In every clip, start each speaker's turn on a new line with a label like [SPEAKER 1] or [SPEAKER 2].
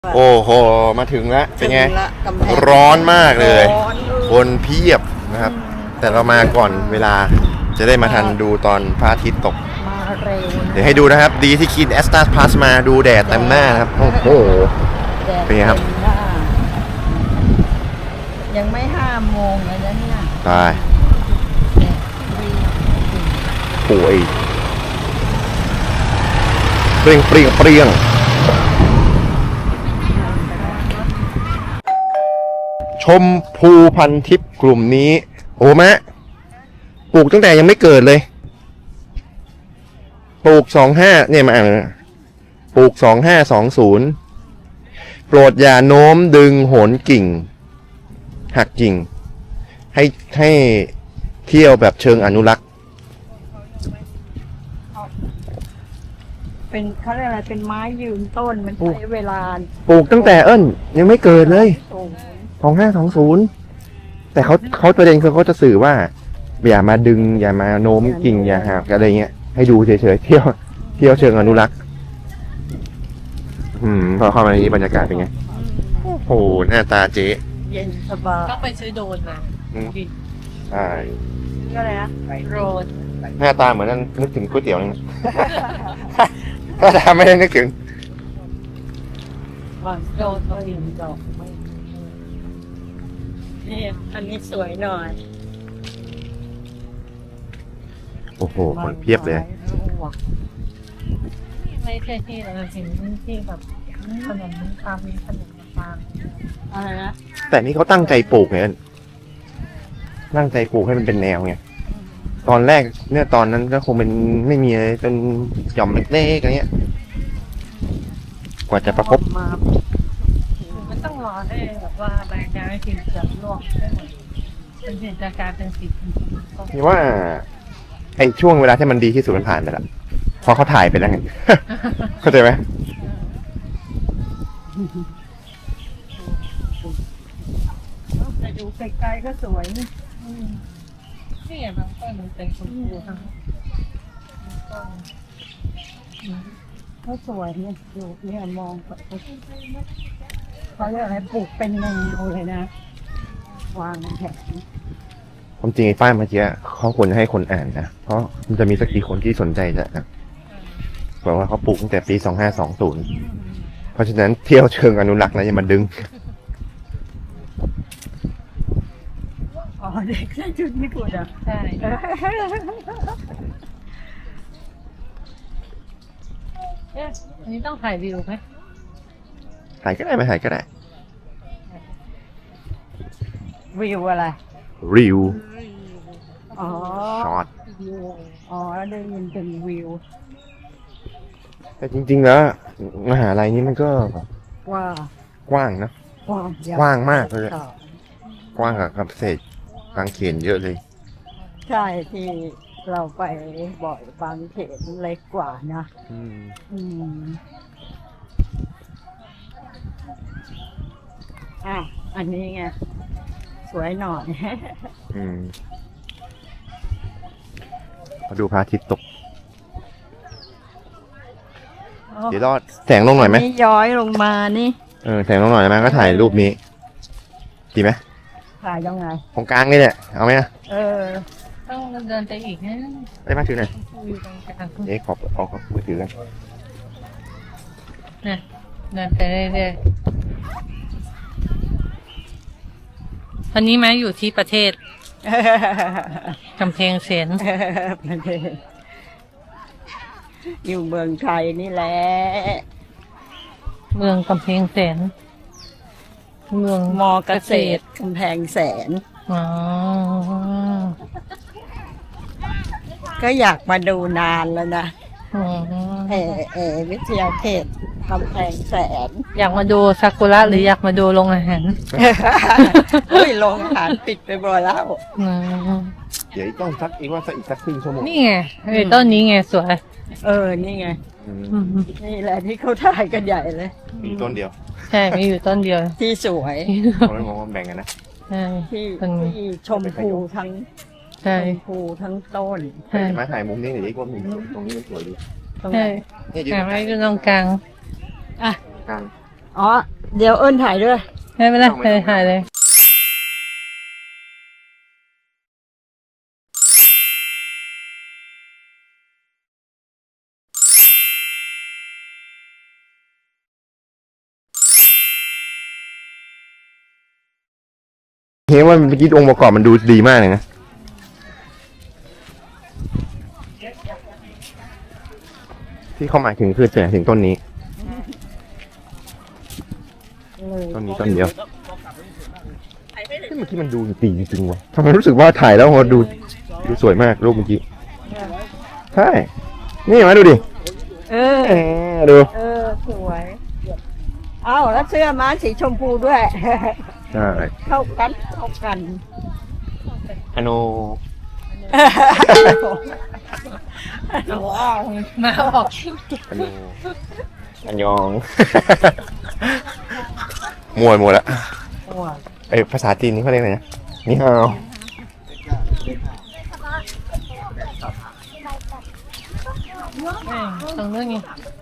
[SPEAKER 1] โอ้โหมาถึงแล้วเป็นไง
[SPEAKER 2] กำแพง
[SPEAKER 1] ร้อนมากเลย
[SPEAKER 2] ร้อนเลย
[SPEAKER 1] คนเพียบนะครับ แต่เรามาก่อนเวลาจะได้มาทันดูตอนพระอาทิตย์ตก
[SPEAKER 2] มาเร็วนะ
[SPEAKER 1] เดี๋ยวให้ดูนะครับ ดีที่คิดแอสตาพลัสมาดูแดดเต็มหน้านะครับ โอ้โห
[SPEAKER 2] แดด
[SPEAKER 1] เป็นไงครับ
[SPEAKER 2] ต็มหน้ายังไม่5 โมงเลยนะเนี่ย
[SPEAKER 1] ตาย
[SPEAKER 2] แดดเปรี้ยง
[SPEAKER 1] โอ้ยเปรี้ยงเปรี้ยงเปรี้ยงชมพูพันทิพย์กลุ่มนี้ โอ้มะปลูกตั้งแต่ยังไม่เกิดเลย ปลูก25เนี่ยมาอ่านปลูก2520โปรดอย่าโน้มดึงโหนกิ่ง หักกิ่ง ให้เที่ยวแบบเชิงอนุรักษ์
[SPEAKER 2] เป็นเขาเรียกอะไรเป็นไม้ยืนต้นมัน
[SPEAKER 1] โอ้
[SPEAKER 2] ใช้เวลา
[SPEAKER 1] ปลูกตั้งแต่ยังไม่เกิดเลย
[SPEAKER 2] โอ้โห
[SPEAKER 1] 2520แต่เขาประเด็นคือเขาจะสื่อว่าอย่ามาดึง อย่ามาโน้มกิ่งอย่าหักอะไรเงี้ยให้ดูเฉยๆเที่ยวเชิงอนุรักษ์พอเข้ามาในนี้บรรยากาศเป็นไงโอ้โหหน้าตาเจ๊
[SPEAKER 2] เย็นสบาย
[SPEAKER 3] ต้องไปซื้อโดนมา
[SPEAKER 1] ใช่
[SPEAKER 2] ก็อะไรนะ
[SPEAKER 3] โรน
[SPEAKER 1] หน้าตาเหมือนนั่นนึกถึงก๋วยเตี๋ยวนึง หน้าตาไม่ได้นึกถึง
[SPEAKER 3] โดนก็ดีดอก
[SPEAKER 2] นี่อันนี้สวยหน่อย
[SPEAKER 1] โอ้โหคนเพียบเลย
[SPEAKER 3] ไม่ใช่ที่เราเห็นที่แบบขนมตามมีขนมปัง
[SPEAKER 2] อะไรนะ
[SPEAKER 1] แต่นี่เขาตั้งใจปลูกไงตั้งใจปลูกให้มันเป็นแนวไงตอนแรกเนี่ยตอนนั้นก็คงเป็นไม่มีอะไรเป็นหย่อมเล็กๆอะไรเงี้ย กว่าจะประคบ
[SPEAKER 2] มา
[SPEAKER 3] มันต้องรอให้แบบว่าใบยางถึงจะลวกได้หมดเป็นเหตุการณ์เป็นสี
[SPEAKER 1] นี่ว่าไอ้ช่วงเวลาที่มันดีที่สุดมันผ่านไปแล้วพอเขาถ่ายไปแล้วไง เข้าใจไหม
[SPEAKER 2] แต่ดูไกลๆก็สวยนี่
[SPEAKER 3] นี่บางต้นมันเป็นคุณครูทั้งต้น
[SPEAKER 2] ก็สวยเนี่ยดูเนี่ยมองไปเขาเรียกอะไรปลูกเป็นแนวเลยนะ วางแผน
[SPEAKER 1] ความจริงไอ้ป้ายเมื่อกี้เขาควรจะให้คนอ่านนะเพราะมันจะมีสักกี่คนที่สนใจจะบอกว่าเขาปลูกตั้งแต่ปี2520เพราะฉะนั้นเที่ยวเชิงอนุรักษ์นะอย่ามาดึง
[SPEAKER 2] อ๋อเด็กใส่ชุดญี่ปุ่นอ่ะ
[SPEAKER 3] ใช่อันนี้ต้องถ่ายวิวไหม
[SPEAKER 1] ถ่ายก็ได้ไม่ถ่ายก็ได้
[SPEAKER 2] วิวอะไร
[SPEAKER 1] รีว
[SPEAKER 2] อ๋อ
[SPEAKER 1] ช็อต
[SPEAKER 2] อ๋อได้ยินเป็นวิว
[SPEAKER 1] แต่จริงๆแล้วมหาลัยนี้มันก็
[SPEAKER 2] ว่าก
[SPEAKER 1] ว้างนะ
[SPEAKER 2] กว้างใหญ่
[SPEAKER 1] กว้างมากเลย
[SPEAKER 2] ต่อก
[SPEAKER 1] ว้างกับเศษบางเขนเยอะเลย
[SPEAKER 2] ใช่ที่เราไปบ่อยบางเขนเล็กกว่านะอืมอ่ะอันนี้ไง สวยหน่อย
[SPEAKER 1] มาดูพระอาทิตย์ตก เดี๋ยวรอดแสงลงหน่อยไหม
[SPEAKER 2] นี่ย้อยลงมานี่
[SPEAKER 1] แสงลงหน่อยไหมก็ถ่ายรูปนี้ดีไหม
[SPEAKER 2] ถ่ายยังไง
[SPEAKER 1] ตรงกลางนี่แหละเอาไหม
[SPEAKER 2] เออ
[SPEAKER 3] ต้องเดินไปอีกนะ
[SPEAKER 1] ได้มาถือหน่อย
[SPEAKER 3] อยู่ตรงกลาง
[SPEAKER 1] ขอมือถือกัน
[SPEAKER 3] เนี่ยเดินไปเรื่อยๆวันนี้แม้อยู่ที่ประเทศกำแพงเสียน
[SPEAKER 2] ประเทศอยู่เมืองไทยนี่แหละ
[SPEAKER 3] เมืองกำแพงแสนเมือง
[SPEAKER 2] มอเกษตรกำแพงแสน
[SPEAKER 3] อ๋อ
[SPEAKER 2] ก็อยากมาดูนานแล้วนะ
[SPEAKER 3] อืม
[SPEAKER 2] วิทยาเขตกำแพงแสน
[SPEAKER 3] อยากมาดูซากุระหรืออยากมาดูโรงอาหาร
[SPEAKER 2] อุ้ยโรงอาหารปิดไปบ่อยแล้ว
[SPEAKER 3] อืม
[SPEAKER 1] เดี๋ยวต้องสักอีกว่าสักอีกสักครึ่งชั่วโมง
[SPEAKER 3] นี่ไงไอ้ต้นนี้ไงสวย
[SPEAKER 2] นี่ไง
[SPEAKER 3] อืม
[SPEAKER 2] นี่แหละที่เขาถ่ายกันใหญ่เลย
[SPEAKER 1] มีต้นเดียว
[SPEAKER 3] ใช่มีอยู่ต้นเดียว
[SPEAKER 2] ที่สวย
[SPEAKER 1] เขาเลยมองว่าแบ่งกันนะ
[SPEAKER 3] ใช่
[SPEAKER 2] ที่
[SPEAKER 3] ต้น
[SPEAKER 2] ที่ชมพูทั้ง
[SPEAKER 3] ใช่
[SPEAKER 2] ชมพูทั้งต้น
[SPEAKER 3] ใช่
[SPEAKER 1] มาถ่ายมุมนี้หน่อยดิว่ามุมตรงนี้มันสวยดี
[SPEAKER 2] ตรง
[SPEAKER 3] ใช่
[SPEAKER 2] นั้น
[SPEAKER 1] เนี่ยยืน
[SPEAKER 3] แต่ไม่อยู่ตรงกลาง
[SPEAKER 2] อ่ะ
[SPEAKER 1] กลาง
[SPEAKER 2] อ๋อ เดี๋ยวเอิญถ่ายด้วย
[SPEAKER 3] ไม่เป็นไรถ่ายเลย
[SPEAKER 1] เฮ้ยว่าเมื่อกี้องค์ประกอบมันดูดีมากเลยนะที่เข้ามาถึงคือเสียถึงต้นนี้ต้นนี้ต้นเดียวที่เมื่อกี้มันดูดีจริงๆว่ะทำไมรู้สึกว่าถ่ายแล้วมันดูสวยมากรูปเมื่อกี้ใช่นี่มาดูดิ
[SPEAKER 2] เออ
[SPEAKER 1] ดู
[SPEAKER 2] สวย เอ้าแล้วเสื้อม้าสีชมพูด้วย
[SPEAKER 1] ใช่
[SPEAKER 2] เข้ากัน
[SPEAKER 1] อโน
[SPEAKER 2] ว้าว
[SPEAKER 3] มาออก
[SPEAKER 1] อโนอันยอง มวยหมดละไอภาษาจีนนี่เขาเรียกอะไรนะนี่ฮาว
[SPEAKER 3] ตรงนู้นไง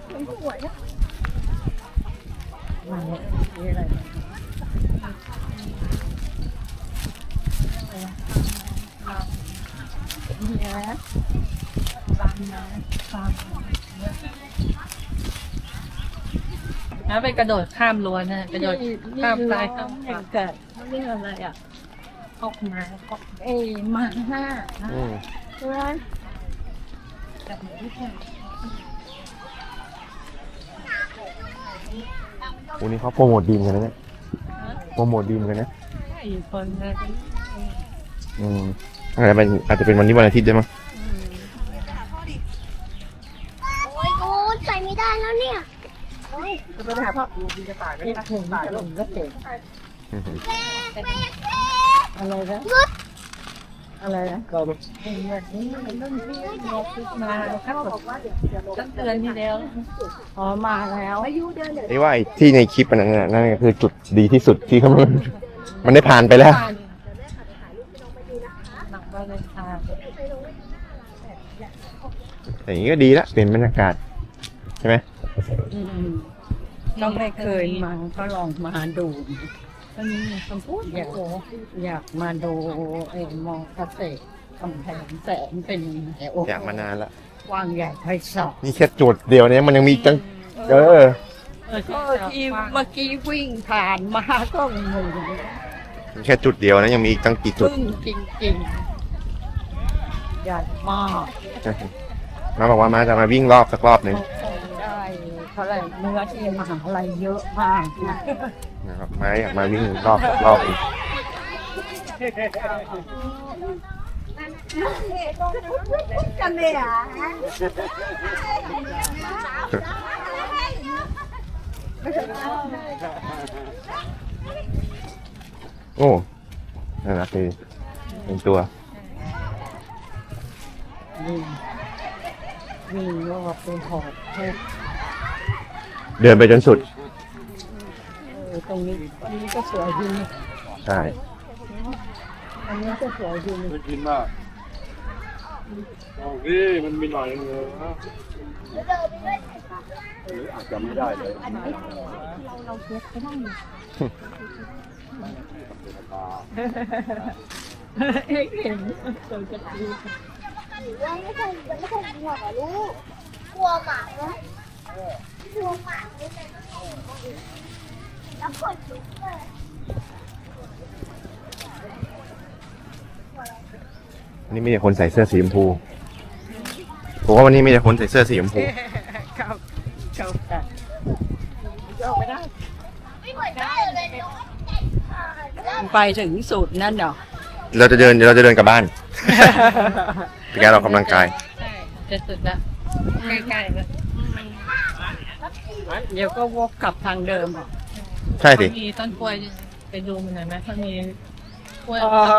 [SPEAKER 3] ไปกระโดดข้ามรั้วนะกระโดดข้ามซ้ายข้ามขวา
[SPEAKER 2] เกิดเรื่องอะไรอ่ะ
[SPEAKER 3] ออกมาออก
[SPEAKER 2] มาห้าใช่ไหม
[SPEAKER 3] แบบนี้
[SPEAKER 1] วันนี้เขาโปรโมทดีมกันนะเนี่ยโปรโมทดีมกันนะ
[SPEAKER 3] อีกคนนะ
[SPEAKER 1] อาจจะเป็นวันนี้วันอาทิตย์ได้มั้ง
[SPEAKER 4] โอ้ยกูใส่ไม่ได้แล้วเนี่ย
[SPEAKER 2] จะไปหาพ่อดูจะตายไม่ได้ถึงจะลงก็เจ็บอะไรนะอะไรนะก็
[SPEAKER 3] มาครับตั้งเดือนที่แล้ว
[SPEAKER 2] อ๋อมาแล้ว
[SPEAKER 1] ไอ้ว่าไอ้ที่ในคลิปอันนั้นน่ะนั่นก็คือจุดดีที่สุดที่เขามันได้ผ่านไปแล้ว
[SPEAKER 3] หนักวาเลนไทน์
[SPEAKER 1] แต่อย่างนี้ก็ดีละเป็นบรรยากาศใช่ไหม
[SPEAKER 2] ก็ไม่เคยมาก็ลองมาดู
[SPEAKER 3] ตอนนี้มีคำพูด
[SPEAKER 2] อยากมาดูมอเกษตรกำแพงแสนเป็นยังไงโอ้
[SPEAKER 1] อยากมานานละ
[SPEAKER 2] กว้างใหญ่ไพศาล
[SPEAKER 1] นี่แค่จุดเดียวเนี่ยมันยังมีจัง
[SPEAKER 2] ที่เมื่อกี้วิ่งผ่านมาก็งง
[SPEAKER 1] แค่จุดเดียวนะยังมีอีกตั้งกี่จุด
[SPEAKER 2] พึ่งจริงๆใหญ่มาก
[SPEAKER 1] มาบอกว่ามาจะมาวิ่งรอบสักรอบหนึ่ง
[SPEAKER 2] ได้เท่าไหร่เนื้อที่มหาลัยเยอะมากนะ
[SPEAKER 1] นะครับมาอยากมาวิ่งรอบสักรอบหนึ่ง
[SPEAKER 4] กันเลยอ่ะ
[SPEAKER 1] โอ้น่ารักดีเป็นตัว
[SPEAKER 2] วิ่งรอบเป็นหอบแค่
[SPEAKER 1] เดินไปจนสุด
[SPEAKER 2] ตรงนี้อันนี้ก็สวยดี
[SPEAKER 1] ใช่
[SPEAKER 2] อันนี้ก็สวยดี
[SPEAKER 5] ไม่กินมากโอเคมันมีหน่อยนึงนะอาจจะไม่ได้เลย
[SPEAKER 2] เห็น
[SPEAKER 4] ไม่เคยกลัวเหรอลูกกลัวหมาไหมกลัวหมาไหมแล้วคนลุกเลย
[SPEAKER 1] วันนี้มีแต่คนใส่เสื้อสีชมพูผมว่าวันนี้มีแต่คนใส่เสื้อสีชมพู
[SPEAKER 2] ครับแต่ไม่ได้
[SPEAKER 4] ไม่เหมือนได้เลยเนาะ
[SPEAKER 2] ไปถึงสุดนั่นเหรอ
[SPEAKER 1] เราจะเดินกลับบ้านเป็นการออกกำลังกาย
[SPEAKER 3] ใช่จะสุดละใกล้ๆแล้ว
[SPEAKER 2] เดี๋ยวก็วกกลับทางเดิมอ่ะ
[SPEAKER 1] ใช่สิ
[SPEAKER 3] มีต้นกล้วยไปดูมันหน่อยไหมเขามีกล้วย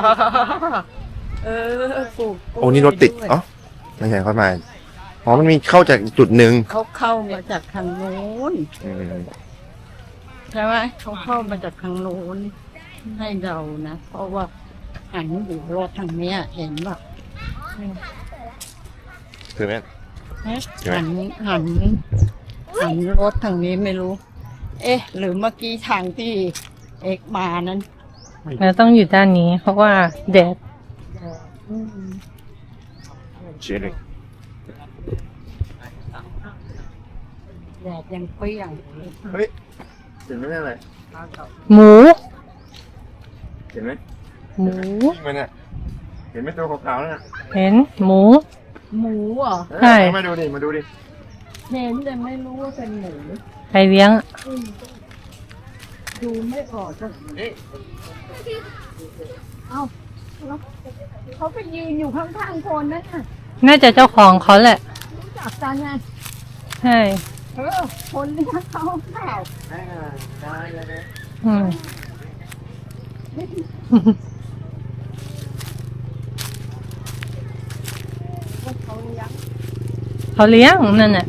[SPEAKER 2] ปลูก
[SPEAKER 1] โอ้นี่รถติดอ๋อไม่ใช่เข้ามาอ๋อมันมีเข้าจากจุดหนึ่ง
[SPEAKER 2] เขาเข้ามาจากทางนู้น
[SPEAKER 1] อืม
[SPEAKER 2] ใช่ไหมเขาเข้ามาจากทางนู้นให้เรานะเพราะว่าหันอยู่รถทางเนี้ยเห็นป่ะ
[SPEAKER 1] คือไหม ใช่ไหม
[SPEAKER 2] หันรถทางนี้ไม่รู้เอ๊ะ หรือเมื่อกี้ทางที่เอกมานั้น
[SPEAKER 3] เราต้องอยู่ด้านนี้ เพราะว่าแดด
[SPEAKER 1] เชียร์เลย
[SPEAKER 2] แดดยังเปรี้ยง
[SPEAKER 1] เฮ้ยเห็นไหมเนี่ยอะไร
[SPEAKER 3] หมู
[SPEAKER 1] เห็นไหม
[SPEAKER 3] หมู
[SPEAKER 1] นี่มันเนี่ยเห็นไหมตัวขาวๆนั่นน่ะ
[SPEAKER 3] เห็นหมู
[SPEAKER 2] หมูเหรอ
[SPEAKER 3] ใช่
[SPEAKER 1] มาดูดิมาดูดิ
[SPEAKER 2] เห็นแต่ไม่รู้ว่าเป็นหมู
[SPEAKER 3] ใครเลี้ยง
[SPEAKER 2] ดูไม่ออกจะเอ้าแล้วเขาไปยืนอยู่ข้างๆคนนั่นน่ะ
[SPEAKER 3] น่าจะเจ้าของเขาแหละ
[SPEAKER 2] รู้จักกันไง
[SPEAKER 3] ใช่
[SPEAKER 2] คนเลี้ยงเขาเปล่า
[SPEAKER 3] อืม
[SPEAKER 2] ว่าเขาเลี้ยง
[SPEAKER 3] เขาเลี้ยงนั่นน่ะ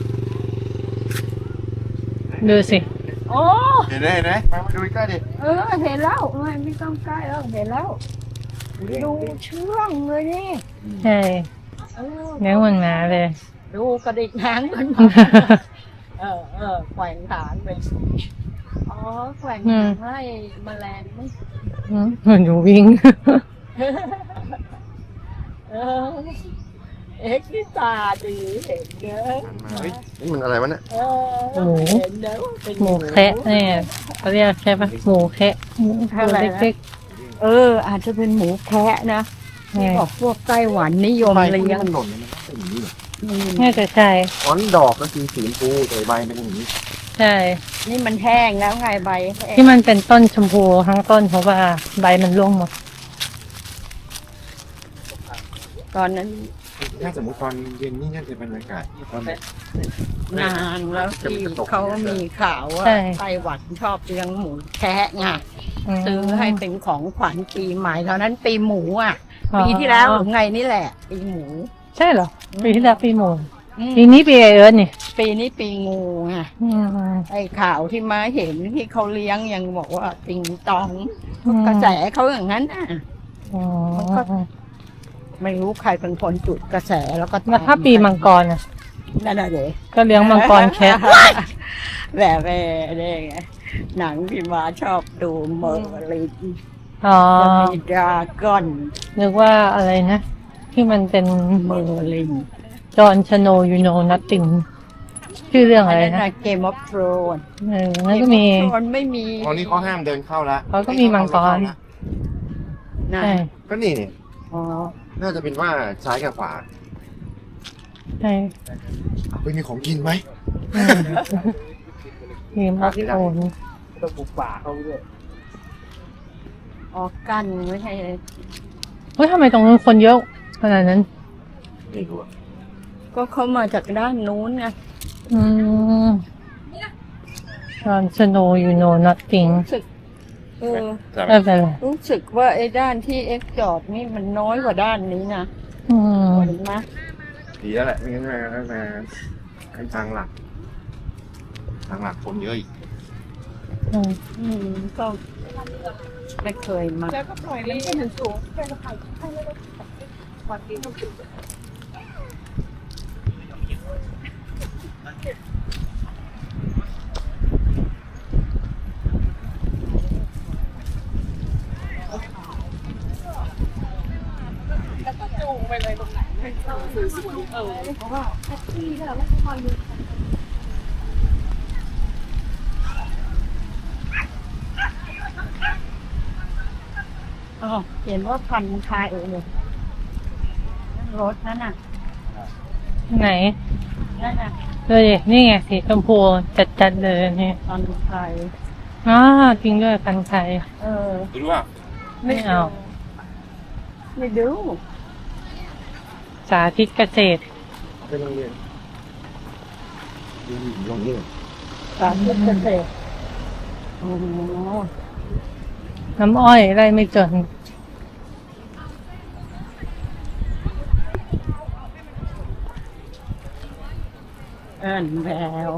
[SPEAKER 3] ดูสิ
[SPEAKER 2] โอ้
[SPEAKER 1] เห็นไหมเห็นไหมมาดูใกล้ดิ
[SPEAKER 2] เห็นแล้วไม่ต้องใกล้แล้วเห็นแล้ว ดูเชื่องเลยนี่
[SPEAKER 3] ใช่
[SPEAKER 2] เออ
[SPEAKER 3] เลี้ยงมันมาเลย
[SPEAKER 2] ดูกระดิกหางมันแขว่งฐานไปอ๋อแขว่งฐานให้แมลงไม่
[SPEAKER 3] มันอยู่วิ่ง
[SPEAKER 2] เออเอ็กซ์นี่ตาดีเห็นเด้อ
[SPEAKER 1] เฮ้ยนี่มันอะไรวะเนี่ย
[SPEAKER 2] เห็นเด้อเป็น
[SPEAKER 3] หมูแคะเนี่ยเขาเรียกใช่ปะหมูแคะตัวเล็ก
[SPEAKER 2] อาจจะเป็นหมูแคะนะ
[SPEAKER 3] ๆ
[SPEAKER 2] ที่
[SPEAKER 3] เนี่ย
[SPEAKER 2] บอกพวกไต้หวันนิยมเลี้ยง
[SPEAKER 1] มันหล่นมันเป็นอย่างนี้เหรอ
[SPEAKER 3] น่าจะใช่
[SPEAKER 1] อ๋อนี่ดอกก็คือสีชมพูแต่ใบเป็นอย่างนี้
[SPEAKER 3] ใช่
[SPEAKER 2] นี่มันแห้งแล้วไงใบแห้ง
[SPEAKER 3] ที่มันเป็นต้นชมพูทั้งต้นเพราะว่าใบมันร่วงหมด
[SPEAKER 2] ตอนนั้น
[SPEAKER 1] ถ้าสมมติตอนเย็นนี่น่าจะเป็นบรรยากาศตอน
[SPEAKER 2] นานแล้วที่เขามีข่าวว่า
[SPEAKER 3] ใช่
[SPEAKER 2] ไต้หวันชอบเลี้ยงหมูแคะไง
[SPEAKER 3] ม
[SPEAKER 2] ซื้อให้เป็นของขวัญปีใหม่ตอนนั้นปีหมูอ่ะ ปีที่แล้วหรือไงนี่แหละ ปีหมู
[SPEAKER 3] ใช่เหรอ ปีที่แล้วปีหมู
[SPEAKER 2] อืม
[SPEAKER 3] ปีนี้ปีเอิร์ธนี่
[SPEAKER 2] ปีนี้ปีงูไง
[SPEAKER 3] อืม
[SPEAKER 2] ไอ้ข่าวที่มาเห็นที่เขาเลี้ยงยังบอกว่าติงตอง
[SPEAKER 3] อืม
[SPEAKER 2] กระแสเขาอย่างนั้นน่ะ
[SPEAKER 3] อ๋อ
[SPEAKER 2] ไม่รู้ใครเป็นคนจุดกระแสแล้วก็
[SPEAKER 3] แล้วถ้าปีมังกรอ่ะ
[SPEAKER 2] นั่นน่ะเด็
[SPEAKER 3] ก็เลี้ยงมังกรแคะ
[SPEAKER 2] แบบนี่ไงหนังพี่มาชอบดูเมอร์ลิน
[SPEAKER 3] อ๋อ
[SPEAKER 2] จะมีดราก้อน
[SPEAKER 3] นึกว่าอะไรนะ ที่มันเป็น
[SPEAKER 2] เมอร์ลิน
[SPEAKER 3] จอห์นชโนยูโนนัตติงชื่อเรื่องอะไรนะ
[SPEAKER 2] เกมออฟโทรน
[SPEAKER 3] แล้วก็มี
[SPEAKER 2] ไม่มี
[SPEAKER 1] ตอนนี้เขาห้ามเดินเข้าแล้ว
[SPEAKER 3] เขาก็มีมังกร
[SPEAKER 2] นะ
[SPEAKER 3] ใช่
[SPEAKER 1] ก็นี่นี่
[SPEAKER 2] อ๋อ
[SPEAKER 1] น่าจะเป็นว่าซ้ายกับขวา
[SPEAKER 3] ใช่
[SPEAKER 1] เฮ้ยมีของกินไหม
[SPEAKER 3] ทีมอัพโอน
[SPEAKER 5] ต้องปลูกป่าเขาด้วย
[SPEAKER 2] ออกกันไม่ใช่
[SPEAKER 3] เฮ้ยทำไมตรงนู้นคนเยอะขนาดนั้น
[SPEAKER 1] ไม่รู้อะ
[SPEAKER 2] ก็เขามาจากด้านนู้นไง
[SPEAKER 3] อืมจอห์นชโนยูโนนัตติง
[SPEAKER 2] รู้สึกเออ
[SPEAKER 3] ไม่เป็นไร
[SPEAKER 2] รู้สึกว่าไอ้ด้านที่เอ็กซ์จอดนี่มันน้อยกว่าด้านนี้นะ
[SPEAKER 3] อืม
[SPEAKER 2] เห็นไหม
[SPEAKER 1] ดีแล้วแหละไม่งั้นมาให้ทางหลัก ทางหลักคนเยอะอีก
[SPEAKER 2] ก็ไม่เคยมา
[SPEAKER 3] แล้วก็ปล่อยมันให้มันสูง
[SPEAKER 2] อ๋อเห็นว่าพันไทยเลยรถนั่นน่ะ
[SPEAKER 3] ไหน
[SPEAKER 2] นั่นน่ะ
[SPEAKER 3] ดูดินี่ไงสีชมพูจัดๆเลยนี่
[SPEAKER 2] พันไทย
[SPEAKER 3] จริงด้วยพันไทย
[SPEAKER 1] รู้ว่า
[SPEAKER 3] ไม่เอา
[SPEAKER 2] ไม่ดู
[SPEAKER 3] สาธิตเกษตร
[SPEAKER 1] เป็นโรงเรียนเรียนอยู่โรงเรียน
[SPEAKER 2] สามสิบเกษตรโอ้โห
[SPEAKER 3] น้ำอ้อยไร่ไม่จน
[SPEAKER 2] เอิ้นแวว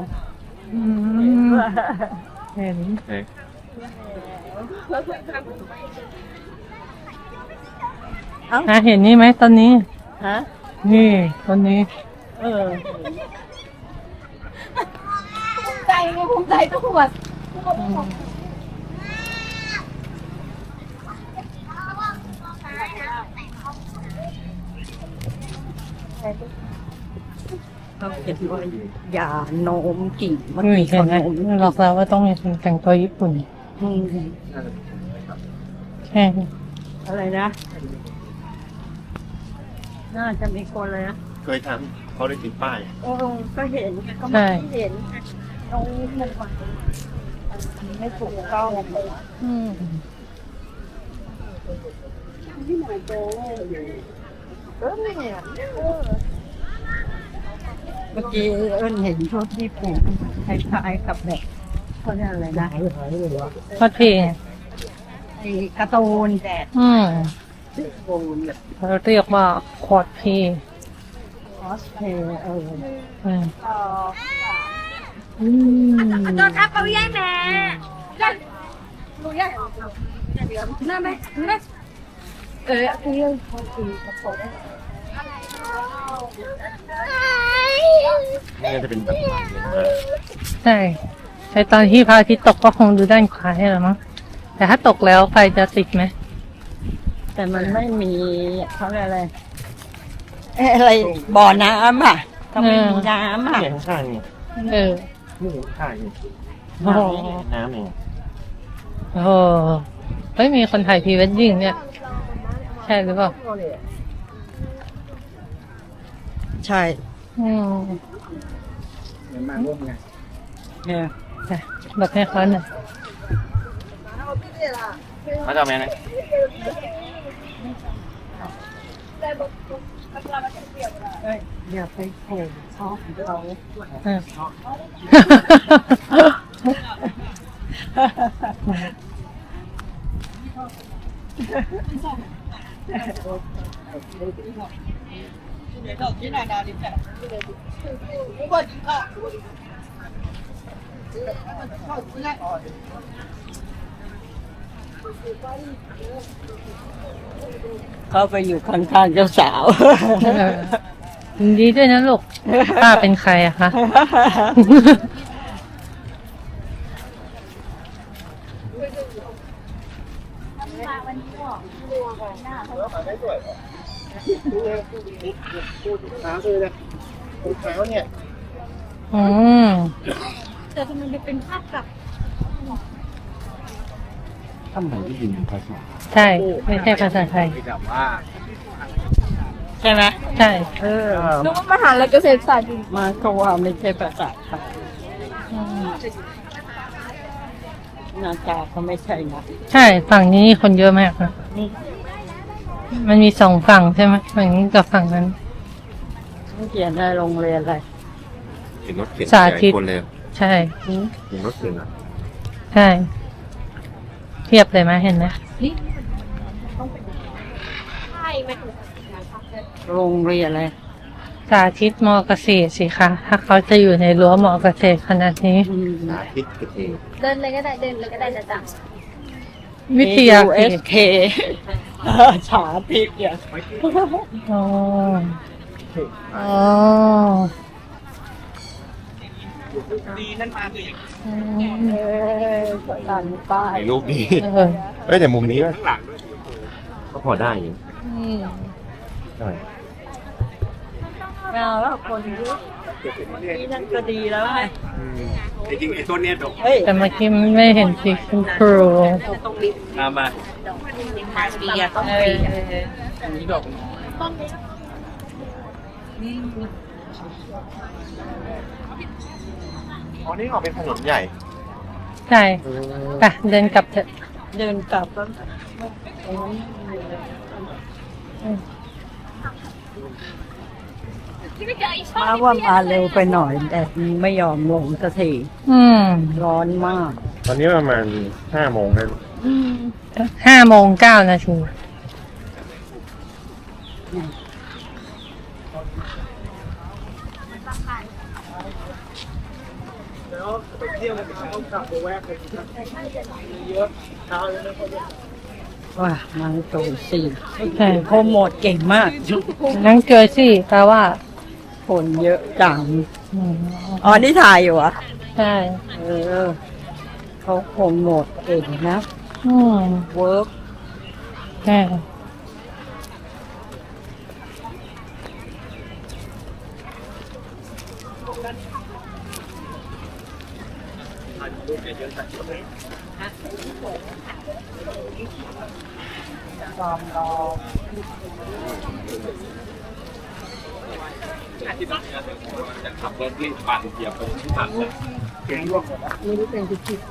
[SPEAKER 3] เห็น
[SPEAKER 1] เฮ้ย
[SPEAKER 3] เห็นนี่ไหมตอนนี้
[SPEAKER 2] ฮะ
[SPEAKER 3] นี่ตอนนี้
[SPEAKER 2] เออ
[SPEAKER 4] ใจไงภูมิใจต้องหวด
[SPEAKER 2] เขาเขียนว่าอย่าโน้มกิ่งมัน
[SPEAKER 3] นี่
[SPEAKER 2] มี
[SPEAKER 3] เห็นไหม
[SPEAKER 2] โน้ม
[SPEAKER 3] บอกแล้วว่าต้องมีคนแต่งตัวญี่ปุ่น
[SPEAKER 2] อืม
[SPEAKER 3] ใช่
[SPEAKER 2] อะไรนะ น่าจะมีคนเลยนะ
[SPEAKER 1] เคยทำเขาได้ติดป้าย
[SPEAKER 2] โอ้ก็เห็นก็ไม่เห็นตรงมุมมันไม่ถูกต้อง
[SPEAKER 3] อืม
[SPEAKER 2] ที่ไหนโจ้เออไม่เห็นเมื่อกี้เอิ้นเห็นชุดญี่ปุ่นคล้ายๆกับแบบเขาเรียกอะไรนะ
[SPEAKER 3] พอดเพลง
[SPEAKER 2] ไอ้การ์ตูนแดด
[SPEAKER 3] อืม
[SPEAKER 2] โบูน
[SPEAKER 3] เขาเรียกว่าคอร์ดเพลง
[SPEAKER 2] คอสเพย์
[SPEAKER 3] อืม
[SPEAKER 4] โดนทับเอาย่ายแม่ดูย่ายน่าไหมน่า
[SPEAKER 2] ที่เขาตีกระโปรง
[SPEAKER 1] นี่จะเป็นแบบ
[SPEAKER 3] ใช่ใช่ตอนที่พระอาทิตย์ตกก็คงดูด้านขวาให้แล้วมั้งแต่ถ้าตกแล้วไฟจะติดไหม
[SPEAKER 2] แต่มันไม่มีเขาเรียกอะไรอะไรบ่อน้ำอ่ะทำไมมีน้ำอ่ะ
[SPEAKER 1] เนี่ยข้างๆนี่
[SPEAKER 3] เออ
[SPEAKER 1] นี่ข้างๆนี่
[SPEAKER 3] โอ้โห
[SPEAKER 1] น้ำเอง
[SPEAKER 3] โอ้โหเฮ้ยมีคนถ่ายพรีเวดดิ้งเนี่ย ใช่หรือเปล่า
[SPEAKER 2] ใช่
[SPEAKER 3] อืม
[SPEAKER 5] มาร่วมไง
[SPEAKER 2] เนี่ย
[SPEAKER 3] ใช่แบบให้เขาหน่อย
[SPEAKER 1] เขาจะเอาไหมนะ
[SPEAKER 2] อย่าไปโผล่ชอบเขา
[SPEAKER 3] อืม
[SPEAKER 2] เขาไปอยู่ข้างๆเจ้าสาว
[SPEAKER 3] เออยินดีด้วยนะลูกป้าเป็นใครอะคะ
[SPEAKER 1] ขาคือเลยขาวเนี่ย
[SPEAKER 3] อืม
[SPEAKER 4] แต่ทำไมมันเป็นภาพกลับ
[SPEAKER 1] ถ้าเหมือนที่ยินภาษา
[SPEAKER 3] ใช่ ไม่ใช่ภาษาไทย
[SPEAKER 1] แบบว่า
[SPEAKER 2] ใช่ไหม
[SPEAKER 3] ใช่
[SPEAKER 4] นึกว่ามหาลัยเกษตรศาสตร์จริง
[SPEAKER 2] มาก็ว่าไม่ใช่ภาษาไทย
[SPEAKER 3] อืม
[SPEAKER 2] หน้าตาก็ไม่ใช่นะ
[SPEAKER 3] ใช่ ฝั่งนี้คนเยอะมากนะมันมีสองฝั่งใช่ไหมฝั่งนี้กับฝั่งนั้น
[SPEAKER 2] เขียนในโรงเรียนอะไร
[SPEAKER 1] เห็นรถเข็น
[SPEAKER 3] สาธิต
[SPEAKER 1] คนเลย
[SPEAKER 3] ใช่
[SPEAKER 1] เห็นรถเข็นอ่ะ
[SPEAKER 3] ใช่เทียบเลยไหมเห็นไหม
[SPEAKER 4] ใช่ไหม
[SPEAKER 2] โรงเรียนอะไร
[SPEAKER 3] สาธิตมอเกษตรสิคะถ้าเขาจะอยู่ในรั้วมอเกษตรขนาดนี้
[SPEAKER 1] สาธิตเกษตร
[SPEAKER 4] เดินเลยก็ได้เดินเลยก็ได้จะจัง
[SPEAKER 3] วิทยาเขต
[SPEAKER 2] AUSK สาธิตเนี่ย
[SPEAKER 3] อ๋ออ๋อ
[SPEAKER 2] ตันป้าย
[SPEAKER 1] ในรูปนี้
[SPEAKER 3] เออ
[SPEAKER 1] เอ้ยแต่มุมนี้ก็พอได้อยู่
[SPEAKER 3] อืม
[SPEAKER 1] ใช่
[SPEAKER 2] เอาแล้วคนเยอะนี่นั่นก็ดีแล้วไง
[SPEAKER 5] จริงๆไอ้ต้นเนี้ยดอก
[SPEAKER 2] เฮ้ย
[SPEAKER 3] แต่เมื่อกี้ไม่เห็นสีคุณครู
[SPEAKER 5] ตามมา
[SPEAKER 2] เปียต้องเปีย
[SPEAKER 5] อันนี้ดอก
[SPEAKER 1] อ๋อนี่ออกเป็นถนนใหญ่
[SPEAKER 3] ใช่ไปเดินกลับเถอะ
[SPEAKER 2] เดินกลับแล้วมาว่ามาเร็วไปหน่อยแต่ไม่ยอมลงสักที
[SPEAKER 3] อืม
[SPEAKER 2] ร้อนมาก
[SPEAKER 1] ตอนนี้ประมาณ5 โมงแล้ว
[SPEAKER 3] 5:09
[SPEAKER 5] แล้วไปเที่ยวกันต้องกลับไปแวะกันเยอะเช้าเลยนะคนเยอะ
[SPEAKER 2] ว่ามาโตสี่
[SPEAKER 3] ใช่
[SPEAKER 2] โปรโมทเก่งมาก
[SPEAKER 3] นั่งเจอสิแปลว่า
[SPEAKER 2] คนเยอะจัง
[SPEAKER 3] อืม
[SPEAKER 2] อ๋อนี่ถ่ายอยู่เหรอ่ะ
[SPEAKER 3] ใใช่
[SPEAKER 2] เขาคงโหมดเก่งนะ
[SPEAKER 3] อืม
[SPEAKER 2] เวิร์ก
[SPEAKER 3] ใช่
[SPEAKER 2] ความรอ
[SPEAKER 5] จะขับรถที่ปั่นเหยียบไปที่ตัดเลยเก่งร่วงหมดแล้ว
[SPEAKER 2] ไม่รู้เป็นที่คิด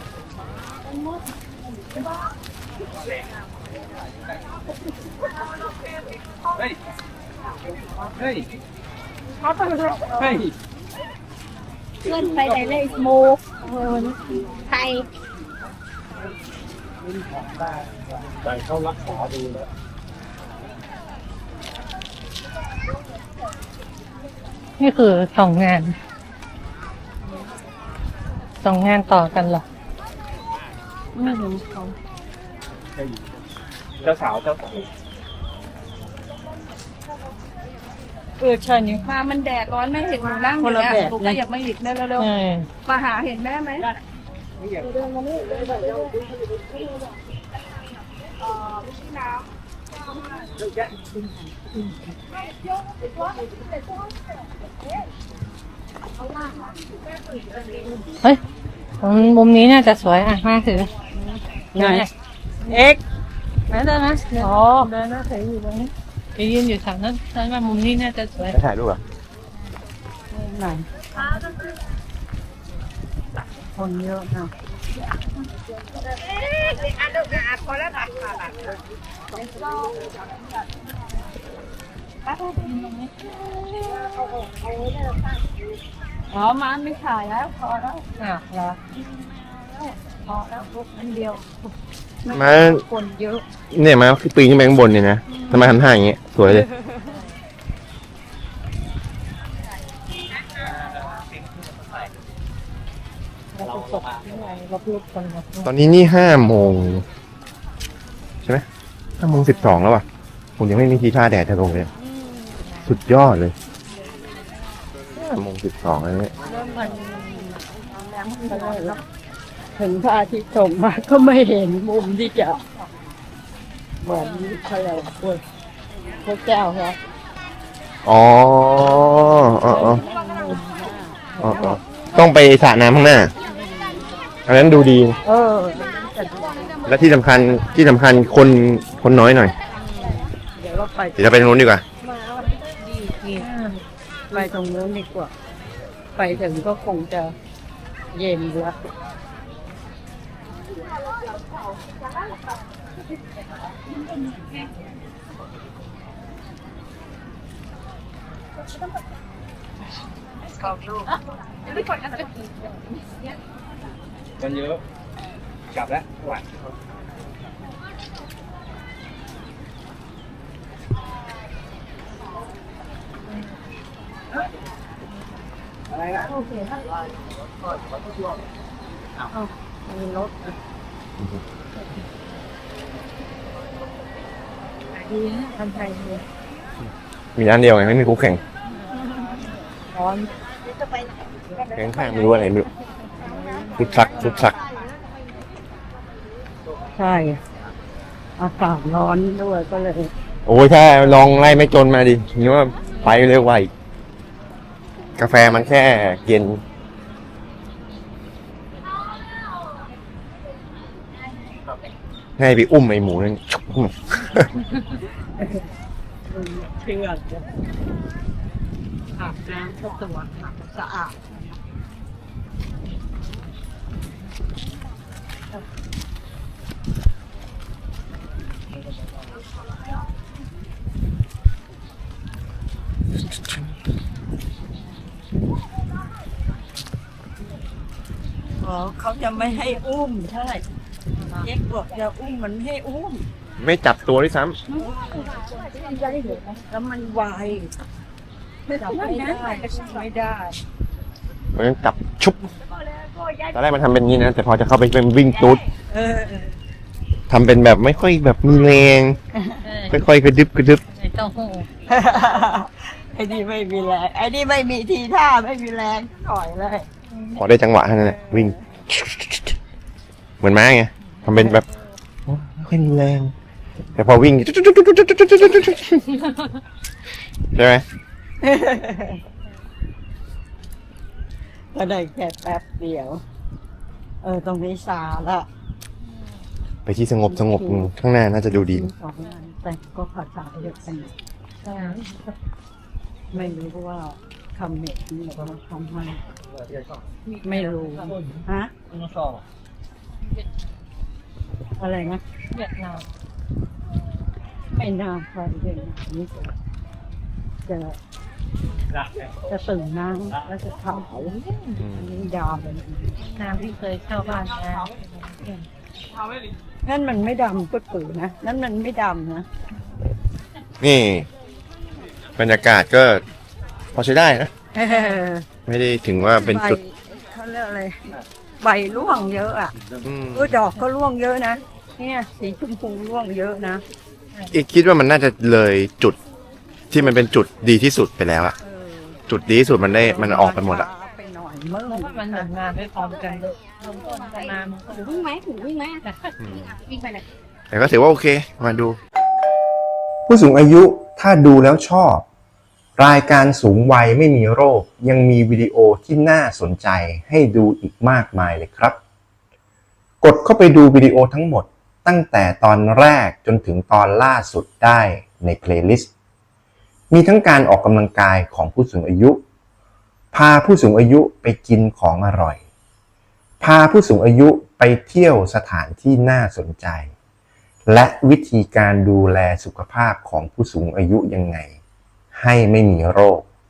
[SPEAKER 5] เฮ้ยเฮ้ยเฮ้ย
[SPEAKER 4] เงินไปไหนเลยโมไทย
[SPEAKER 5] ใจเข้ารักษาดูแล้ว
[SPEAKER 3] นี่คือสองงานต่อกันเหรอ
[SPEAKER 2] ไม่รู้เขา
[SPEAKER 5] เจ้าสาวเจ้าสาว
[SPEAKER 2] ใช่นี่
[SPEAKER 4] มามันแดดร้อนไม่เห็นหนูนั่งอยู่เนี่ยหนูก็อยากมาอีกเร็ว
[SPEAKER 3] ใช่
[SPEAKER 4] ๆมาหาเห็นแม่ไหม
[SPEAKER 3] เฮ้ยมุมนี้น่าจะสวยอ่ะมาถือ
[SPEAKER 2] ไงเอ็ก
[SPEAKER 3] นั่นเดินนะ
[SPEAKER 2] อ๋อ
[SPEAKER 3] เดินนะถืออยู่ตรงนี้ไปยืนอยู่แถวนั้นนั้นว่ามุมนี้น่าจะสวย
[SPEAKER 1] ไปถ่ายรูปอ่ะ
[SPEAKER 2] ไหนคนเยอะนะ
[SPEAKER 4] อ๋อมาไม่ถ่ายแล้วพอแล้ว
[SPEAKER 3] อ่ะเหรอ
[SPEAKER 4] พอแล้วลูกอันเดียว
[SPEAKER 1] มา
[SPEAKER 4] คนเยอะ
[SPEAKER 1] เนี่ยมาคือปีนขึ้นไปข้างบนเนี่ยนะทำไมทำท่าอย่างเงี้ยสวยเลย
[SPEAKER 3] เราตกยังไงเราพูดคนหมด
[SPEAKER 1] ตอนนี้นี่5 โมงใช่ไหม5:12แล้วอ่ะผมยังไม่มีทีท่าแดดจะลงเลยสุดยอดเลย5:12แล้วเนี่ย
[SPEAKER 2] ถึงพระอาทิตย์ตกมาก็ไม่เห็นมุมที่จะเหมือนเขาเรียกว่าพระเจ้าครับ
[SPEAKER 1] อ๋อต้องไปสระน้ำข้างหน้าอันนั้นดูดี และที่สำคัญคนน้อยหน่อย
[SPEAKER 2] เดี๋ยวเราไป
[SPEAKER 1] เดี๋ยวเราไปทางนู้นดีกว่า
[SPEAKER 2] ไปตรงนู้นดีกว่า ไปถึงก็คงจะเย็นแล้ว
[SPEAKER 5] มันเยอะกลับแล้วหวานอะไรนะ
[SPEAKER 2] มีรถดีนะทำไทยเลย
[SPEAKER 1] มีร้านเดียวไงไม่มีคู่แข่ง
[SPEAKER 2] ร้อน
[SPEAKER 1] ข้างๆไม่รู้อะไรไม่รู้ฟุตซัก
[SPEAKER 2] ใช่อากาศร้อนด้วยก็เลย
[SPEAKER 1] โอ้ยถ้าลองไล่ไม่จนมาดินี่ว่าไปเร็วกว่าอีกกาแฟมันแค่เย็นให้ไปอุ้มไอ้หมูนั่น
[SPEAKER 2] เชื่ออาบน้ำก็สะอาด อ๋อเขาจะไม่ให้อุ้มใช่เอ็กบอกจะอุ้มมันไม่ให้อุ้ม
[SPEAKER 1] ไม่จับตัวด้วยซ้
[SPEAKER 2] แล้วมันไวจับไม่ได้ไม่ได้
[SPEAKER 1] ำเพราะฉะนั้นจับชุบตอนแรกมันทำเป็นอย่างนี้นะแต่พอจะเข้าไปเป็นวิ่งตุ๊ด
[SPEAKER 2] เออ
[SPEAKER 1] ทำเป็นแบบไม่ค่อยแบบมีแรงค่อยๆกระดึบ
[SPEAKER 3] ไอ้เต้าหู้
[SPEAKER 2] ไอ้นี่ไม่มีแรงไอ้นี่ไม่มีทีท่าไม่มีแรงถอยเลย
[SPEAKER 3] อืม
[SPEAKER 1] พอได้จังหวะเท่านั้นแหละวิ่ง เหมือนม้าไงทำเป็นแบบโอ้ไม่ค่อยมีแรง แต่พอวิ่ง ใช่ไหม
[SPEAKER 2] ก็ได้แค่แป๊บเดียว ตรงนี้ซาละ
[SPEAKER 1] ไปที่สงบข้างหน้าน่าจะดูดี
[SPEAKER 2] สองงานแต่ก็ภาษาเดียวกันไม่รู้ว่าคำเม็ดนี่หรือว่าคำมันไม่รู้ฮะอะไรนะ
[SPEAKER 3] เวียดนาม
[SPEAKER 2] ไม่น่าไปเวียดนามนี่จะตื่นน้ำแล้วจะทำเขานี่ยาวเลย
[SPEAKER 3] น้ำที่เคยเช่าบ้านนะ
[SPEAKER 2] นั่นมันไม่ดำก็ตื่นนะนั่นมันไม่ดำนะ
[SPEAKER 1] นี่ บรรยากาศก็พอใช้ได้นะ ไม่ได้ถึงว่าเป็นจุด
[SPEAKER 2] เขาเรียกอะไรใบร่วงเยอะอ่ะ
[SPEAKER 1] อืม
[SPEAKER 2] ดอกก็ร่วงเยอะนะเนี่ยสีชมพูร่วงเยอะนะ
[SPEAKER 1] อีกคิดว่ามันน่าจะเลยจุดที่มันเป็นจุดดีที่สุดไปแล้วอะจุดดีที่สุดมันออกไปหมดอะ
[SPEAKER 2] ไปหน่อยมึง
[SPEAKER 3] เพราะว่ามันเหมือนงานไม่พร้อมกันเลยลงต้นกันมามันก็
[SPEAKER 4] ถึงวิ่งไหมถึงวิ่งไหมวิ่งไปเลย
[SPEAKER 1] แต่ก็ถือว่าโอเค มาดู
[SPEAKER 6] ผู้สูงอายุถ้าดูแล้วชอบ รายการสูงวัยไม่มีโรคยังมีวิดีโอที่น่าสนใจให้ดูอีกมากมายเลยครับ กดเข้าไปดูวิดีโอทั้งหมดตั้งแต่ตอนแรกจนถึงตอนล่าสุดได้ในเพลย์ลิสต์มีทั้งการออกกำลังกายของผู้สูงอายุพาผู้สูงอายุไปกินของอร่อยพาผู้สูงอายุไปเที่ยวสถานที่น่าสนใจและวิธีการดูแลสุขภาพของผู้สูงอายุยังไงให้ไม่มีโรค